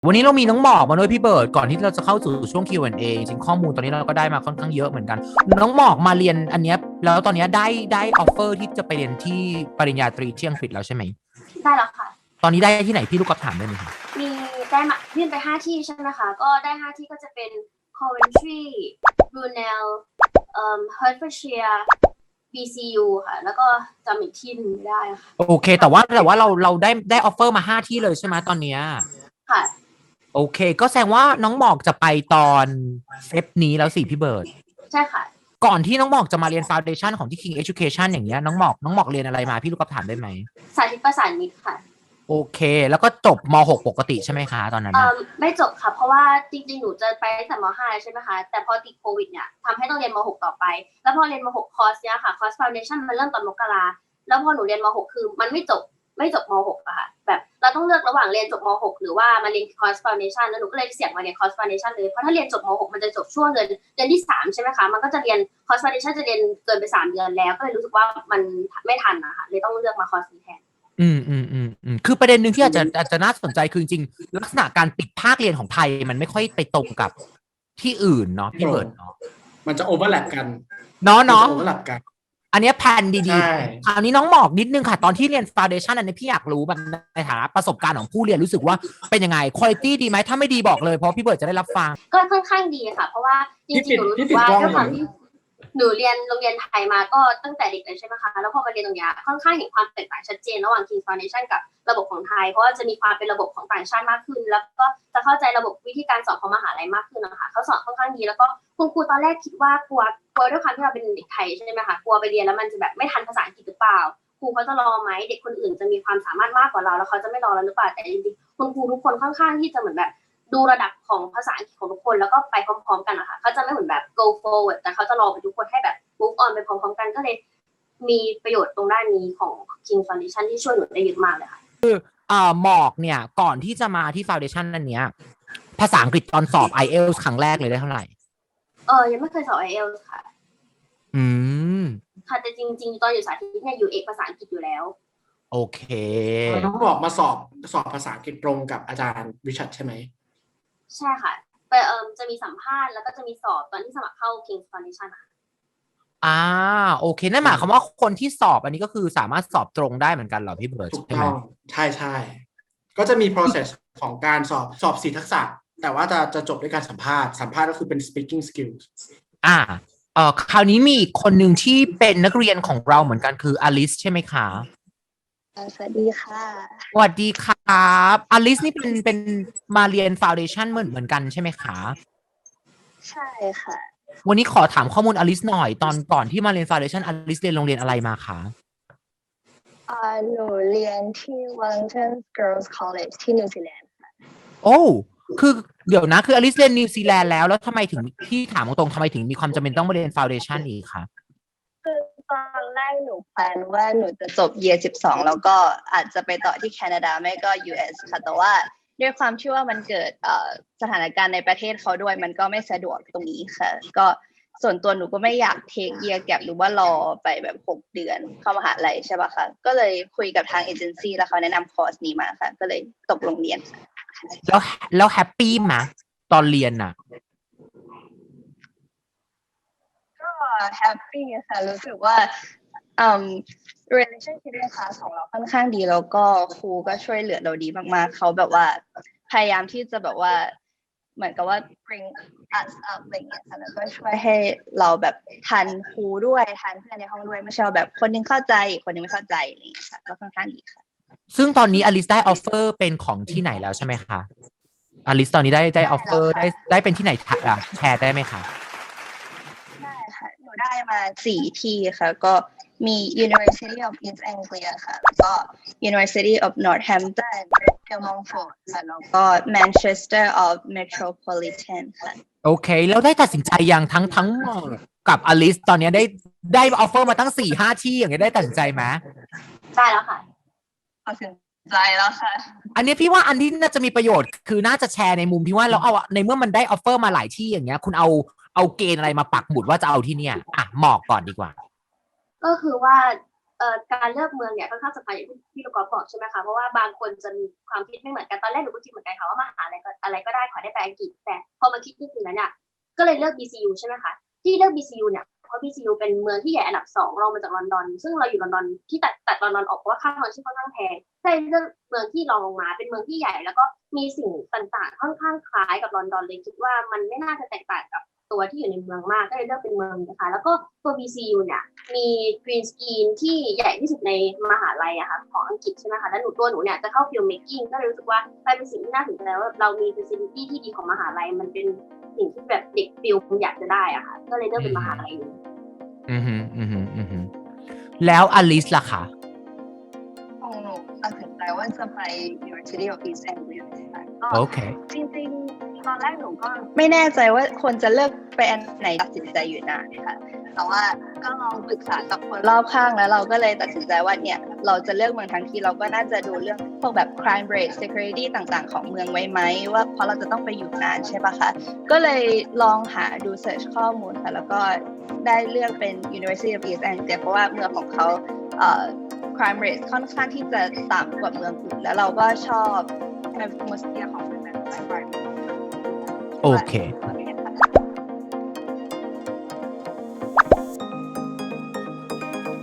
วันนี้เรามีน้องหมอกมาด้วยพี่เบิร์ดก่อนที่เราจะเข้าสู่ช่วง Q&A จริงๆข้อมูลตอนนี้เราก็ได้มาค่อนข้างเยอะเหมือนกันน้องหมอกมาเรียนอันเนี้ยแล้วตอนนี้ได้ออฟเฟอร์ที่จะไปเรียนที่ปริญญาตรีที่อังกฤษแล้วใช่ไหมได้แล้วค่ะตอนนี้ได้ที่ไหนพี่ลูกกอล์ฟถามได้ไหมคะมีได้มายื่นไป5 ที่ใช่ไหมคะก็ได้5 ที่ก็จะเป็น Coventry Brunel Hertfordshire BCU ค่ะแล้วก็จำอีกที่หนึ่งไม่ได้ค่ะโอเคแต่ว่าเราได้ออฟเฟอร์มา5 ที่เลยใช่ไหมตอนเนี้ยค่ะโอเคก็แสดงว่าน้องหมอกจะไปตอนเฟบนี้แล้วสิพี่เบิร์ดใช่ค่ะก่อนที่น้องหมอกจะมาเรียน Foundation ของที่ King Education อย่างเงี้ยน้องหมอกเรียนอะไรมาพี่ลูกกอล์ฟถามได้ไหมสาธิตประสานมิตรค่ะโอเคแล้วก็จบม6ปกติใช่ไหมคะตอนนั้นนะไม่จบค่ะเพราะว่าจริงๆหนูจะไปตั้งแต่ม5ใช่ไหมคะแต่พอติดโควิดเนี่ยทำให้ต้องเรียนม6ต่อไปแล้วพอเรียนม6คอร์สเนี้ยค่ะคอร์ส Foundation มันเริ่มตอนมกราแล้วพอหนูเรียนม6คือมันไม่จบม6อะค่ะแบบเราต้องเลือกระหว่างเรียนจบม6หรือว่ามาเรียนคอร์ส Foundation แล้วหนูก็เลยเสี่ยงมาเรียนคอร์ส Foundation เลยเพราะถ้าเรียนจบม6มันจะจบช่วงเดือนที่3ใช่ไหมคะมันก็จะเรียนคอร์ส Foundation จะเรียนเกินไป3 เดือนแล้วก็เลยรู้สึกว่ามันไม่ทันนะคะเลยต้องเลือกมาคอร์สนี้แทนคือประเด็นหนึ่งที่อาจจะน่าสนใจคือจริงๆลักษณะการปิดภาคเรียนของไทยมันไม่ค่อยไปตรงกับที่อื่นเนาะพี่เบิร์ดเนาะมันจะโอเวอร์แลปกันเนาะโอเวอร์แลปกันอันนี้แผนดีใช่ๆคราวนี้น้องหมอกนิดนึงค่ะตอนที่เรียน Foundation อันนี้พี่อยากรู้แบบในฐานะประสบการณ์ของผู้เรียนรู้สึกว่าเป็นยังไงคุณภาพดีไหมถ้าไม่ดีบอกเลยเพราะพี่เบิร์ดจะได้รับฟังก็ค่อนข้างดีค่ะเพราะว่าจริงๆหนูรู้สึกว่าด้วยความที่หนูเรียนโรงเรียนไทยมาก็ตั้งแต่เด็กเลยใช่ไหมคะแล้วพอมาเรียนตรงนี้ค่อนข้างเห็นความแตกต่างชัดเจนระหว่าง King's Foundation กับระบบของไทยเพราะว่าจะมีความเป็นระบบของต่างชาติมากขึ้นแล้วก็จะเข้าใจระบบวิธีการสอนของมหาลัยมากขึ้นนะคะเขาสอนค่อนข้างดีแล้วก็คุณครูตอนแรกคิดว่ากลัวด้วยความที่เราเป็นเด็กไทยใช่ไหมคะกลัวไปเรียนแล้วมันจะแบบไม่ทันภาษาอังกฤษหรือเปล่าครูเขาจะรอไหมเด็กคนอื่นจะมีความสามารถมากกว่าเราแล้วเขาจะไม่รอเราหรือเปล่าแต่จริงๆคุณครูทุกคนค่อนข้างที่จะเหมือนแบบดูระดับของภาษาอังกฤษของทุกคนแล้วก็ไปพร้อมๆกันนะคะเขาจะไม่เหมือนแบบ go forward แต่เขาจะรอไปทุกคนให้แบบ move on ไปพร้อมๆกันก็เลยมีประโยชน์ตรงด้านนี้ของ King Foundation ที่ช่วยหนูได้เยอะมากเลยค่ะหมอกเนี่ยก่อนที่จะมาที่ Foundation อันเนี้ยภาษาอังกฤษตอนสอบ IELTS ครั้งแรกเลยได้เท่าไหร่ยังไม่เคยสอบ IELTS ค่ะอืมค่ะแต่จริงๆตอนอยู่สาธิตเนี่ยอยู่เอกภาษาอังกฤษอยู่แล้วโอเคต้องบอกมาสอบภาษาอังกฤษตรงกับอาจารย์วิชัดใช่ไหมใช่ค่ะไปจะมีสัมภาษณ์แล้วก็จะมีสอบตอนที่สมัครเข้า King Foundation ค่ะโอเคนั่นหมายความว่าคนที่สอบอันนี้ก็คือสามารถสอบตรงได้เหมือนกันเหรอพี่เบิร์ดถูกใช่ไหมต้องใช่ก็จะมี process ของการสอบ4 ทักษะแต่ว่าจะจบด้วยการสัมภาษณ์ก็คือเป็น speaking skills คราวนี้มีอีกคนหนึ่งที่เป็นนักเรียนของเราเหมือนกันคืออลิสใช่ไหมคะสวัสดีค่ะสวัสดีครับอลิสนี่เป็นมาเรียน Foundation เหมือนกันใช่ไหมคะใช่ค่ะวันนี้ขอถามข้อมูลอลิสหน่อยตอนก่อนที่มาเรียน Foundation อลิสเรียนโรงเรียนอะไรมาคะหนูเรียนที่ Wellington Girls College ที่นิวซีแลนด์ค่ะโอ้คือเดี๋ยวนะคืออลิสเรียนนิวซีแลนด์แล้วทำไมถึงพี่ถามตรงๆทำไมถึงมีความจำเป็นต้องมาเรียน Foundation อีกคะคือตอนแรกหนูแพลนว่าหนูจะจบ Year 12แล้วก็อาจจะไปต่อที่แคนาดาไม่ก็ US ค่ะแต่ว่าด้วยความที่ว่ามันเกิดสถานการณ์ในประเทศเขาด้วยมันก็ไม่สะดวกตรงนี้ค่ะก็ส่วนตัวหนูก็ไม่อยากเทค year gap หรือว่ารอไปแบบ6 เดือนเข้ามหาลัยใช่ป่ะคะก็เลยคุยกับทางเอเจนซี่แล้วเขาแนะนำคอร์สนี้มาค่ะก็เลยตกลงเรียนแล้วแฮปปี้ไหมตอนเรียนน่ะก็แฮปปี้ค่ะรู้สึกว่าrelationship ในคลาสของเราค่อนข้างดีแล้วก็ครูก็ช่วยเหลือเราดีมากๆเขาแบบว่าพยายามที่จะแบบว่าเหมือนกับว่า bring us up อะไรอย่างเงี้ยค่ะแล้วก็ช่วยให้เราแบบทันครูด้วยทันเพื่อนในห้องด้วยไม่ใช่แบบคนนึงเข้าใจคนนึงไม่เข้าใจอะไรอย่างเงี้ยค่ะก็ค่อนข้างดีค่ะซึ่งตอนนี้อลิสได้ออฟเฟอร์เป็นของที่ไหนแล้วใช่ไหมคะอลิสตอนนี้ได้ออฟเฟอร์ได้เป็นที่ไหนแชร์ได้ไหมคะได้ค่ะหนูได้มา4 ที่ค่ะก็มี University of East Anglia ค่ะแล้วก็ University of Northampton Mumford ค่ะแล้วก็ Manchester of Metropolitan ค่ะโอเคแล้วได้ตัดสินใจยังทั้งกับอลิสตอนนี้ได้ออฟเฟอร์มาตั้ง4-5 ที่อย่างเงี้ยได้ตัดสินใจไหมได้แล้วค่ะตัดสินใจแล้วค่ะอันนี้พี่ว่าอันที่น่าจะมีประโยชน์คือน่าจะแชร์ในมุมที่ว่าเราเอาในเมื่อมันได้ออฟเฟอร์มาหลายที่อย่างเงี้ยคุณเอาเกณฑ์อะไรมาปักหมุดว่าจะเอาที่เนี่ยหมอกก่อนดีกว่าก็คือว่าการเลือกเมืองเนี่ยค่อนข้างสำคัญอย่างที่พี่ลูกกอล์ฟบอกใช่ไหมคะเพราะว่าบางคนจะมีความคิดไม่เหมือนกันตอนแรกหนูก็คิดเหมือนกันค่ะว่ามหาลัยอะไรก็ได้ขอได้ไปอังกฤษแต่พอมาคิดจริงๆแล้วเนี่ยก็เลยเลือก BCU ใช่ไหมคะที่เลือก BCU เนี่ยเพราะ BCU เป็นเมืองที่ใหญ่อันดับ2รองมาจากลอนดอนซึ่งเราอยู่ลอนดอนที่ตัดลอนดอนออกเพราะว่าค่าครองชีพค่อนข้างแพงใช่เลือกเมืองที่รองลงมาเป็นเมืองที่ใหญ่แล้วก็มีสิ่งต่างๆค่อนข้างคล้ายกับลอนดอนเลยคิดว่ามันไม่น่าจะแตกต่างกับตัวที่อยู่ในเมืองมากก็เลยเลือกเป็นเมืองนะคะแล้วก็ตัว BCU เนี่ยมีกรีนสกรีนที่ใหญ่ที่สุดในมหาลัยอะค่ะของอังกฤษใช่ไหมคะแล้วหนูเนี่ยจะเข้าฟิลเมคกิ้งก็เลยรู้สึกว่าเป็นสิ่งที่น่าสนใจว่าเรามี facility ที่ดีของมหาลัยมันเป็นสิ่งที่แบบเด็กฟิลอยากจะได้อะค่ะก็เลยเลือกเป็นมหาลัยนี้แล้วอลิสล่ะคะของหนูตัดสินใจว่าจะไป University of East Anglia ก็โอเคจริงๆตอนแรกหนูก็ไม่แน่ใจว่าควรจะเลือกไปอันไหนตัดสินใจอยู่นานค่ะแต่ว่าก็ลองปรึกษากับคนรอบข้างแล้วเราก็เลยตัดสินใจว่าเนี่ยเราจะเลือกเมืองทั้งทีเราก็น่าจะดูเรื่องพวกแบบ crime rate security ต่างๆของเมืองไว้ไหมว่าเพราะเราจะต้องไปอยู่นานใช่ปะคะก็เลยลองหาดู search ข้อมูลค่ะแล้วก็ได้เลือกเป็น University of East Anglia เพราะว่าเมืองของเขาcrime rate ค่อนข้างที่จะต่ำกว่าเมืองอื่นแล้วเราก็ชอบ atmosphere ของเมืองนั้น environment โอเคมี